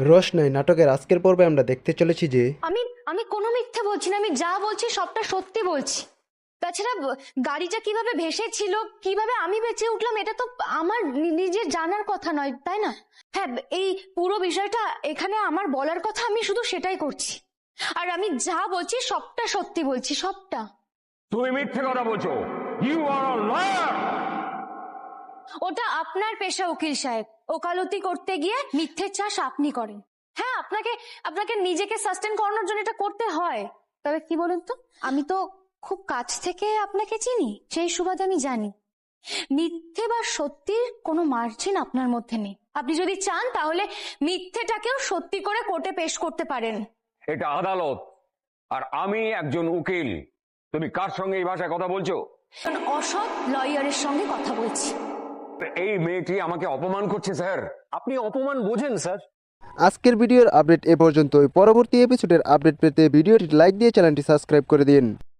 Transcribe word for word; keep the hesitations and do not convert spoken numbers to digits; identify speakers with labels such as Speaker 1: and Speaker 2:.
Speaker 1: রোশনাই নাটকের আজকের পর্বে আমরা দেখতে চলেছি যে
Speaker 2: আমি আমি কোনো মিথ্যে বলছি না, আমি যা বলছি সবটা সত্যি বলছি। তাছাড়া ব- গাড়িটা কিভাবে ভেসেছিল, কিভাবে আমি বেঁচে উঠলাম, এটা তো আমার নি- নিজের জানার কথা নয়, তাই না? হ্যাঁ, এই পুরো বিষয়টা এখানে আমার বলার কথা, আমি শুধু সেটাই করছি। আর আমি যা বলছি সবটা সত্যি বলছি, সবটা।
Speaker 3: তুমি মিথ্যে কথা বলছো। You are a liar.
Speaker 2: ওটা আপনার পেশা উকিল সাহেব, ওকালতি করতে গিয়ে মিথ্যে চাষ আপনি করেন। হ্যাঁ, আপনাকে আপনাকে নিজেকে সাস্টেন করানোর জন্য এটা করতে হয়। তবে কি বলুন তো, আমি তো খুব কাছ থেকে আপনাকে চিনি, সেই সুবাদে আমি জানি মিথ্যে বা সত্যির কোনো মার্জিন আপনার মধ্যে নেই। আপনি যদি চান তাহলে মিথ্যেটাকেও সত্যি করে কোর্টে পেশ করতে পারেন।
Speaker 3: এটা আদালত, আর আমি একজন উকিল। তুমি কার সঙ্গে এই ভাষায় কথা বলছো?
Speaker 2: কারণ অসৎ লয়ারের সঙ্গে কথা বলছি।
Speaker 3: এই মেয়েটি আমাকে অপমান করছে স্যার।
Speaker 4: আপনি অপমান বোঝেন স্যার?
Speaker 1: আজকের ভিডিওর আপডেট এ পর্যন্তই। পরবর্তী এপিসোডের আপডেট পেতে ভিডিওটি লাইক দিয়ে চ্যানেলটি সাবস্ক্রাইব করে দিন।